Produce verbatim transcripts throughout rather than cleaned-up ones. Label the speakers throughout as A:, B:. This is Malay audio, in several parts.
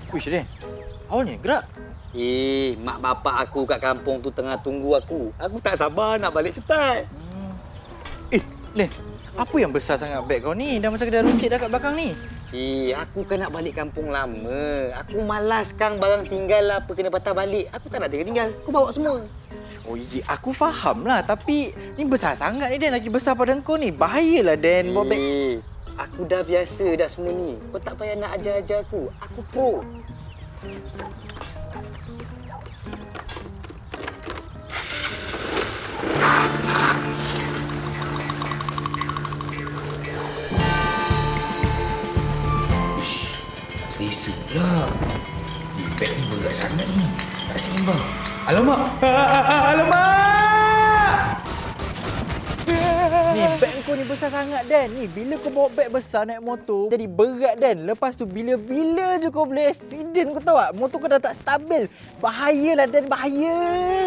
A: Wish, Den. Awalnya gerak.
B: Eh, mak bapak aku kat kampung tu tengah tunggu aku. Aku tak sabar nak balik cepat.
A: Hmm. Eh, Den. Apa yang besar sangat beg kau ni? Dah macam kedai runcit dah kat belakang ni.
B: Eh, aku kan nak balik kampung lama. Aku malas kang barang tinggal lah apa kena patah balik. Aku tak nak tinggal-tinggal. Aku bawa semua.
A: Oh, Iji, aku faham lah. Tapi ni besar sangat ni, Den. Lagi besar pada kau ni. Bahayalah, Den. Bawa beg.
B: Eh, aku dah biasa dah semua ni. Kau tak payah nak ajar-ajar aku. Aku pro.
C: Selesa pula. Beg ni berat sangat ni. Tak seimbang. Alamak! Alamak!
A: Ni, beg kau ni besar sangat, Dan. Ni, bila kau bawa beg besar naik motor, jadi berat, Dan. Lepas tu, bila-bila je kau boleh accident, kau tahu tak? Motor kau dah tak stabil. Bahayalah, Dan. Bahaya.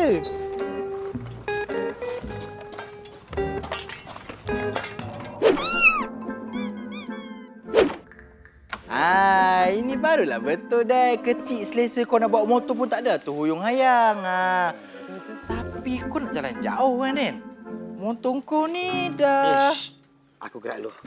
A: Ah, ini barulah betul, Dan. Kecil selesa kau nak bawa motor pun tak ada tu huyung hayang. Ah. Tapi kau nak jalan jauh kan, Den? Motor kau ni dah...
B: Ish, aku gerak dulu.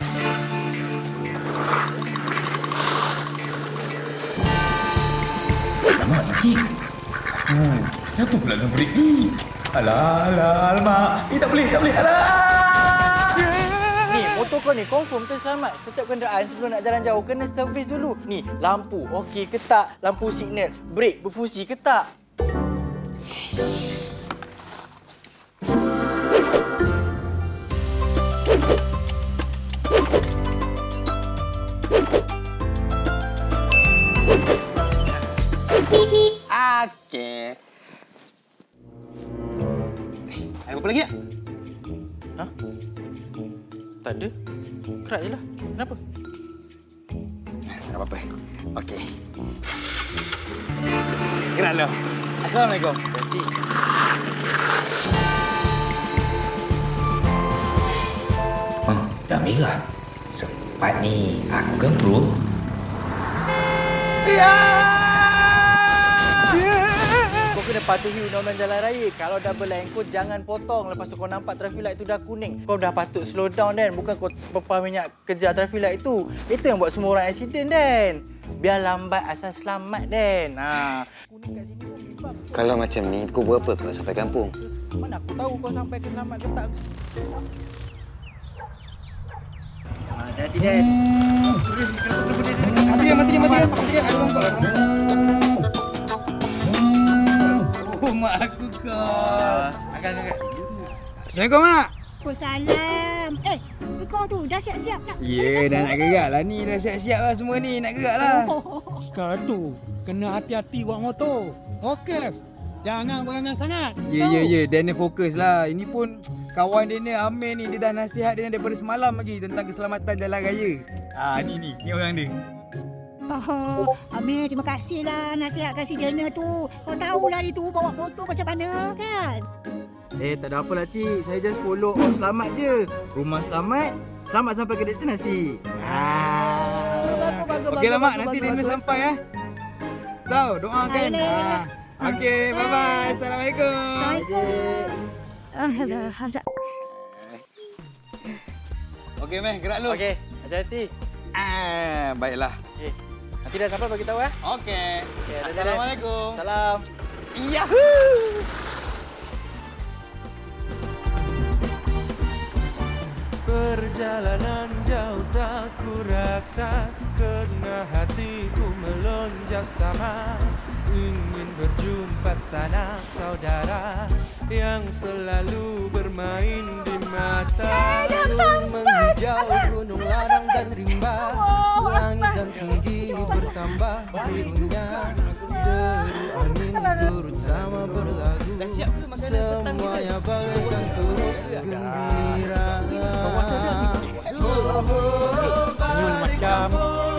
C: Alamak, nanti. Oh, kenapa pula nak break ni? Alah, alah, alamak. Eh, tak boleh, tak boleh. Alah!
A: Ni, motor kau ni confirm terselamat. Setiap kenderaan sebelum nak jalan jauh kena servis dulu. Ni, lampu okey ke tak? Lampu signal, brek berfungsi ke tak?
B: Okey. Ada apa lagi tak?
A: Ha? Tak ada. Kerak je lah. Kenapa?
B: Tak apa-apa. Okey. Gerak dulu. Assalamualaikum.
A: Berhenti.
C: Oh, dah merah. Sempat ni. Aku kan pro.
A: Ya! Kau kena patuhi undang-undang jalan raya. Kalau double line kau jangan potong. Lepas tu kau nampak traffic light tu dah kuning. Kau dah patut slow down, Dan. Bukan kau pepah minyak kejar traffic light tu. Itu yang buat semua orang accident, Dan. Biar lambat asal selamat, Dan. Ha. Kuning kat sini pun bebab.
B: Kalau macam ni, pukul berapa aku nak sampai kampung?
A: Mana aku tahu kau sampai ke selamat ke tak? Hati-hati, Dan.
D: Mati dia, mati dia, mati dia. Mati dia, ada nampak. Oh, mak aku kau.
A: Agak, agak.
D: Assalamualaikum, Mak.
E: Waalaikumsalam. Eh, kau tu dah siap-siap tak?
D: Ya, yeah, dah nak gerak lah ni. Dah siap-siap lah semua ni. Nak gerak lah.
F: Kau tu kena hati-hati bawa motor. Fokus. Jangan berangan sangat.
D: Ya, ya, ya. Daniel fokus lah. Ini pun kawan Daniel, Amir ni. Dia dah nasihat dia daripada semalam lagi tentang keselamatan jalan raya. Ah, ni, ni. Ni orang dia.
E: Oh, Amir, terima kasih lah nasihatkan si Dana tu. Kau tahulah dia tu bawa motor macam mana kan?
D: Eh, tak ada apa lah, Cik. Saya just follow all selamat je. Rumah selamat, selamat sampai ke destinasi. Ah. Okeylah, Mak. Nanti Daniel sampai, eh. Tahu, doakan. Ah. Okey, bye-bye. Assalamualaikum.
E: Assalamualaikum.
B: Okey, Meh. Gerak dulu.
A: Okey, hati-hati.
B: Ah, baiklah.
A: Okey. Nanti dah sampai bagi tahu, eh.
B: Okey.
A: Okey, hati-hati, Dan.
B: Assalamualaikum.
A: Salam.
B: Yahoo!
G: Perjalanan jauh tak kurasa, kerana hatiku melonjak sama. Ingin berjumpa sanak saudara yang selalu bermain di mata. Gunung menghijau, gunung ladang dan rimba, langit dan tinggi bertambah birunya. Deru angin turut sama berlagu, semuanya bagaikan turut gembira.
F: Macam